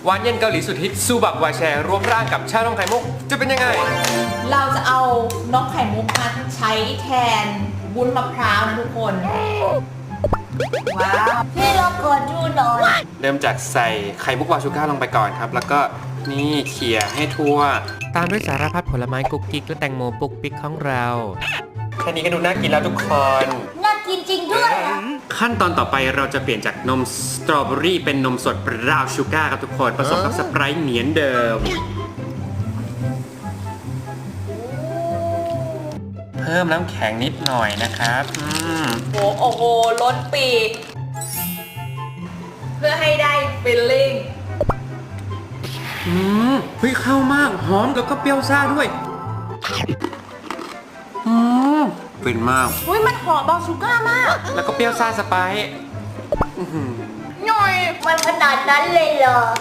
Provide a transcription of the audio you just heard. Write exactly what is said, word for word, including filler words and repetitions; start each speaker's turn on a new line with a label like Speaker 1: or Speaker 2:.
Speaker 1: หวานเย็นเกาหลีสุดฮิตซูบักวายแชร์รวมร่างกับชานมไข่มุกจะเป็นยังไง
Speaker 2: เราจะเอาน้องไข่มุกมาใช้แทนวุ้นมะพร้าวนะทุกคนว้าวพี่เราขอดูหน่อย
Speaker 1: เริ่มจากใส่ไข่มุกวาชูก้าลงไปก่อนครับแล้วก็นี่เขี่ยให้ทั่วตามด้วยสารพัดผลไม้กุ๊กกิ๊กและแตงโมปุกปิ๊กของเราแค่นี้ก็ดูน่ากินแล้วทุกคน
Speaker 2: น่ากินจริงด้วย
Speaker 1: ขั้นตอนต่อไปเราจะเปลี่ยนจากนมสตรอเบอรี่เป็นนมสดบราวน์ชูการ์ครับทุกคนผสมกับสไปร์เหมือนเดิมเพิ่มน้ำแข็งนิดหน่อยนะครับอืม
Speaker 2: โอ้โอ้โหล้นปีกเพื่อให้ได้ฟิลลิ่ง
Speaker 1: อืมเฮ้ยเข้ามากหอมแล้วก็เปรี้ยวซ่าด้วยอืมเป็นมาก
Speaker 2: อุ้ยมันหอมบราวน์ชูการ์มาก
Speaker 1: แล้วก็เปรี้ยวซ่าสไปร์
Speaker 2: หน่อยมันขนาดนั้นเลยเหรอ